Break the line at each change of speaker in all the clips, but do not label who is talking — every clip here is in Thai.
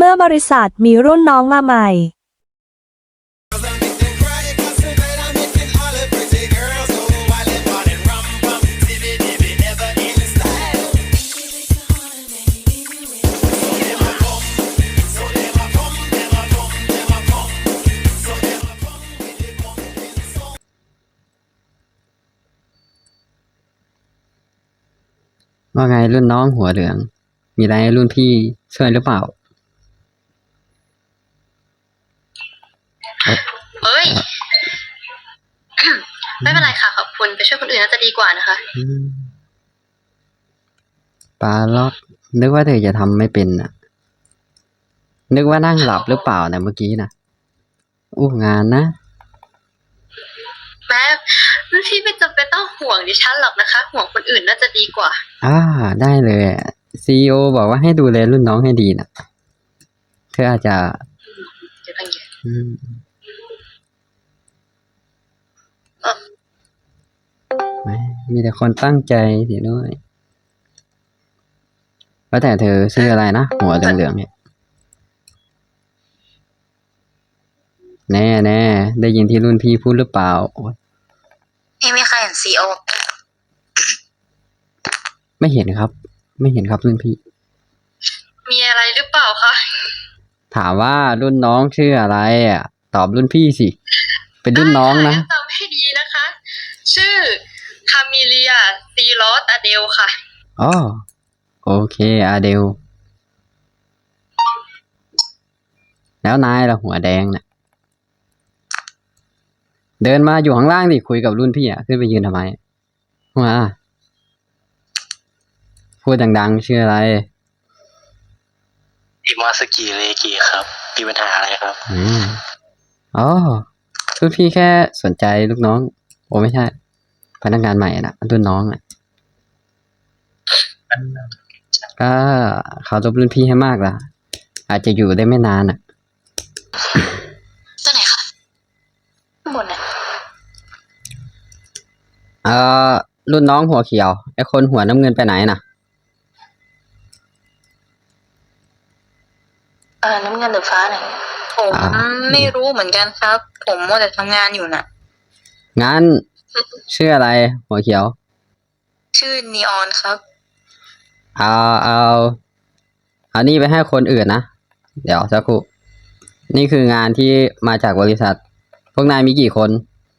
มื่อบริษัทมีรุ่นน้องมาใหม่
ว่าไงรุ่นน้องหัวเหลือง มีอะไรให้รุ่นพี่ช่วยหรือเปล่า
เอ้ย ไม่เป็นไรค่ะขอบคุณไปช่วยคนอื่นน่าจะดีกว่านะคะ
ปลาล็อกนึกว่าเธอจะทำไม่เป็นน่ะ นึกว่านั่งหลับหรือเปล่านะเมื่อกี้นะอู้งานนะ
แม้รุ่นพี่ไม่จำเป็นต้องห่วงดิฉันหรอกนะคะ ห่วงคนอื่นน่าจะดีกว่า
ได้เลยCEOบอกว่าให้ดูแลรุ่นน้องให้ดีนะเธออาจจะ
เดี๋ยวกันเยอะ
อืมไม่มีแต่คนตั้งใจสิด้วยว่าแต่เธอชื่ออะไรนะหัวเหลืองๆเนี่ยแน่ได้ยินที่รุ่นพี่พูดหรือเปล่าโอ๊ย
พี่ไม่เคยเห็นซีโอ
ไม่เห็นครับ ไม่เห็นครับรุ่นพี่
มีอะไรหรือเปล่าคะ
ถามว่ารุ่นน้องชื่ออะไรอ่ะ ตอบรุ่นพี่สิ เป็นรุ่นน้องนะ
จำให้ดีนะคะ ชื่อคามิเลียซีลอสอเดลค่ะ
อ๋อโอเคอาเดล แล้วนายล่ะหัวแดงน่ะ เดินมาอยู่ข้างล่างดิคุยกับรุ่นพี่อ่ะขึ้นไปยืนทำไมมาพูดดังๆชื่ออะไร
อิมาสกิเลกิครับมีปัญหาอะไรครับ
อ๋อรุ่นพี่แค่สนใจลูกน้อง โอ้ไม่ใช่ พนักงานใหม่น่ะรุ่นน้องอ่ะก็เขารบรุ่นพี่ให้มากล่ะ อาจจะอยู่ได้ไม่นานอ่ะ
ตัวไหนคะข้างบนน่ะ
รุ่นน้องหัวเขียวไอ้คนหัวน้ำเงินไปไหนน่ะ
น้ำเงินหรือฟ้าไหนผมไม่รู้เหมือนกันครับ ผมมัวแต่ทำงานอยู่น่ะ
งั้นชื่ออะไรหัวเขียว
ชื่อนีออนครับ
เอานี่ไปให้คนอื่นนะ เดี๋ยวสักครู่ นี่คืองานที่มาจากบริษัท พวกนายมีกี่คน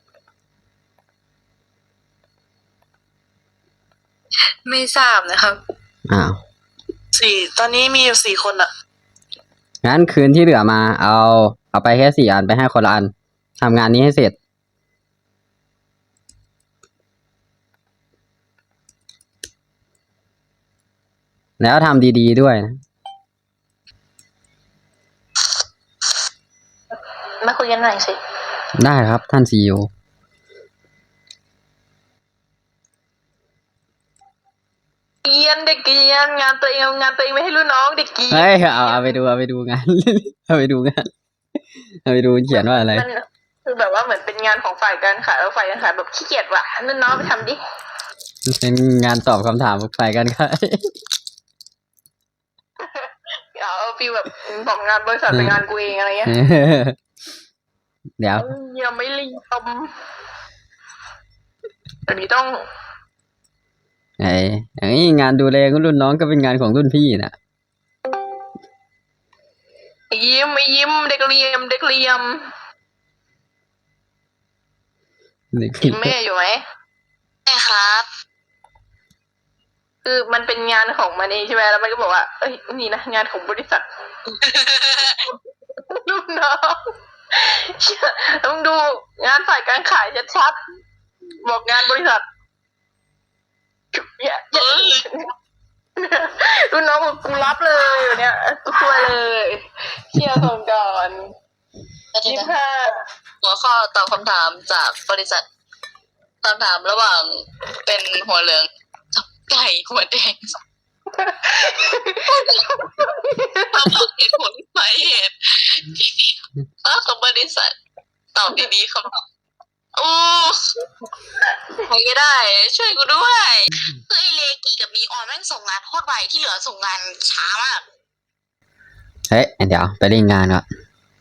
ไม่ทราบนะครับ
อ้าว
ตอนนี้มีอยู่4 คนอะ
งั้นคืนที่เหลือมา เอาไปแค่4 อันไปให้คนละอันทำงานนี้ให้เสร็จ แล้วทำดีๆด้วยนะ
มาคุยกันหน่อยสิ
ได้ครับท่านซีอีโอ
เกียนเด็กเกียนงานตัวเองไม่ให้รุ่นน้องเด็กเกียน
เฮ้ยเอาไปดูงาน เอาไปดูงาน เอาไปดูเขียนว่าอะไร
มันคือแบบว่าเหมือนเป็นงานของฝ่ายการขายแล้วฝ่ายการขายแบบขี้เกียจว่ะรุ่นน้องไปทำดิ
เป็นงานตอบคำถามฝ่ายกันค่ะ
เอาฟีลแบบบอกงานบริษัทเป็นงานกูเองอะไรเงี้ย
เดี๋ยว
ยังไม่รีบทำอันนี้ต้อง
งานดูแลรุ่นน้องก็เป็นงานของรุ่นพี่น่ะ
ยิ้มเด็กเลียมแม่อยู่ไหมแม่ครับ คือมันเป็นงานของมันเองใช่ไหมแล้วมันก็บอกว่าเอ้ยนี่นะงานของบริษัท ลูกน้องต้องดูงานฝ่ายการขายชัดๆบอกงานบริษัทเนี่ยลูกน้องบอกกูรับเลยอยู่เนี่ยกูช่วยเลยเชียร์ส่งก่อน25
หัวข้อตอบคำถามจากบริษัทคำถามระหว่างเป็นหัวเหลืองกับไก่หัวแดงมาบอกเหตุผลสาเหตุของบริษัทตอบดีๆคำตอบโอ้ใครก็ได้ ช่วยกูด้วยคือไอเลกิกับนีออนแม่งส่งงานโคตรไวที่เหลือส่งงานช้ามาก
เฮ้ยเดี๋ยวไปเล่นงานก่อน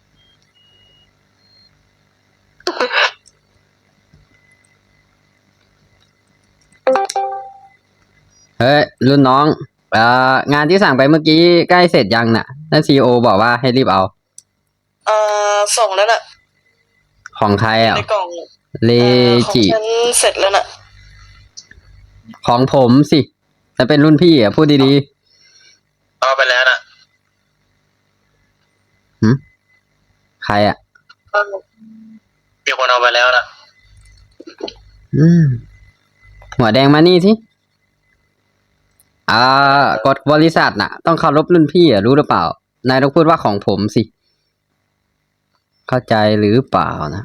เฮ้ยรุ่นน้องงานที่สั่งไปเมื่อกี้ใกล้เสร็จยังน่ะนั่นซีโอบอกว่าให้รีบเอา
ส่งแล้วน่ะ
ของใครอ่ะ
ในกล่อง
เล
ของ
จิ
ฉันเสร็จแล้วน่ะ
ของผมสิจะเป็นรุ่นพี่อ่ะพูดดี
เอาไปแล้วนะ
ๆใครอ่ะ
มีคนเอาไปแล้วนะ
อืมหัวแดงมานี่สิกฎบริษัทน่ะ ต้องเคารพรุ่นพี่อ่ะรู้หรือเปล่านายต้องพูดว่าของผมสิ เข้าใจหรือเปล่านะ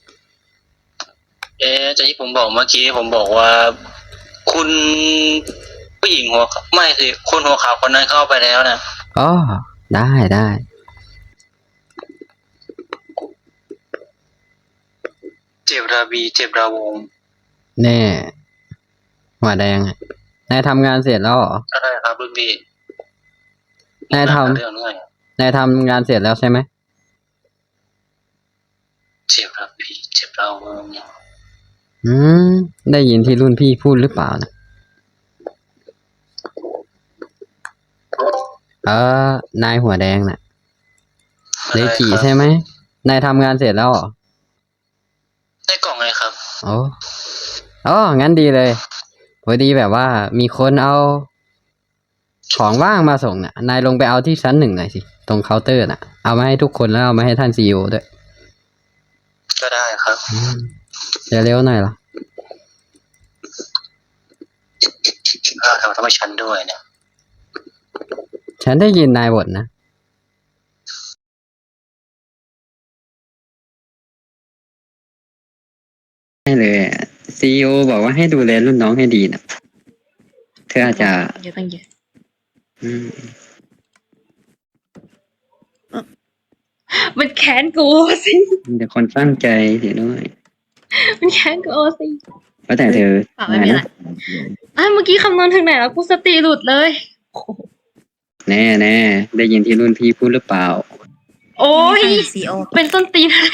จากที่ผมบอกเมื่อกี้ผมบอกว่า คุณผู้หญิงหัวขาวไม่สิคนหัวขาวคนนั้นเข้าไปแล้วนะ
อ๋อได้ได้
เจ็บราบีเจ็บราวง
แน่หัวแดงอะนายทำงานเสร็จแล้วเหรอ
ก็ได้ครับรุ่นพี่
นายท
เรื่องง่าย
ำนายทำงานเสร็จแล้วใช่ไหม
เจ็บราบีเจ็บราวง
อืมได้ยินที่รุ่นพี่พูดหรือเปล่านะนายหัวแดงน่ะเลจิใช่ไหมนายทำงานเสร็จแล้วเหรอ
ได้กล่องไงครับ
อ๋องั้นดีเลยพอดีแบบว่ามีคนเอาของว่างมาส่งน่ะนายลงไปเอาที่ชั้น 1หน่อยสิตรงเคาน์เตอร์น่ะเอามาให้ทุกคนแล้วเอามาให้ท่านซีอีโอด้วย
ก็ได้ครับ
เร็วๆหน่อยล่ะ
ทำไมฉันด้วยเนี่ย
ฉันได้ยินนายบ่นนะให้เลยซีอีโอบอกว่าให้ดูแลรุ่นน้องให้ดีนะเธออาจจะ
เยอะตั้งเยอะ
อืม
มันแค้นกูสิ
เดี๋ยวคนตั้งใจเสียด้วย
มันแค้นกูสิ
ว่าแต่เธอ
ไม่เป็นไรเมื่อกี้คำนวณถึงไหนแล้วกูสติหลุดเลย
แน่แน่ได้ยินที่รุ่นพี่พูดหรือเปล่า
โอ้ยเป็นต้นตีนอะไร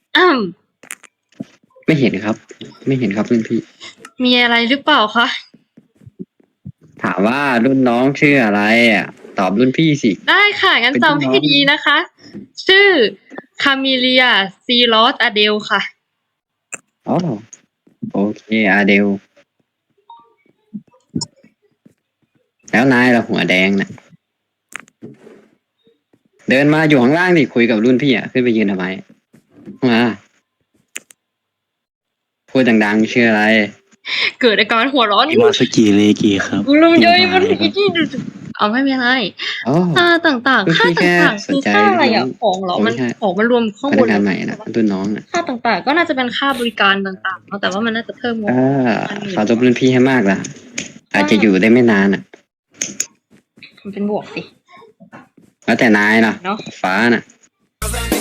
ไม่เห็นครับ ไม่เห็นครับรุ่นพี่
มีอะไรหรือเปล่าคะ
ถามว่ารุ่นน้องชื่ออะไรอ่ะ ตอบรุ่นพี่สิ
ได้ค่ะ งั้น
เป็นรุ่นน้อง
จำให้ดีนะคะ ชื่อคามิเลียซีลอสอเดลค่ะ
อ๋อโอเคอาเดล แล้วนายล่ะหัวแดงน่ะ เดินมาอยู่ข้างล่างดิคุยกับรุ่นพี่อ่ะขึ้นไปยืนทำไมมาพูดดังๆชื่ออะไร
เกิดอาการหัวร้อน
อิมาสกิเลกิครับ
กูลืมย่อยมันอีกที่เอาไม่เป็นไร
อ๋อ
ค่าต่างๆ ค่า
ก็คือแค่
ต่างๆ
ส
คื
น
อ
ใจ
ค่าอะไรอ่ะ
น้อง
ของเหรอ มัน
ไม่ใช่
ของมันรวมข้าง
พ
บ
นั
น
กงานใหม่นะรุ่นน้องน่ะ
ค่าต่างๆ ก็น่าจะเป็นค่าบริการต่างๆเนอะแต่ว่ามันน่าจะเพิ่มงบ
ขอรบรุ่นพี่ให้มากล่ะ อาจจะอยู่ได้ไม่นานอ่ะ
มันเป็นบวกสิ
แล้วแต่นายน่ะ
เนาะ
ฟ้าน่ะ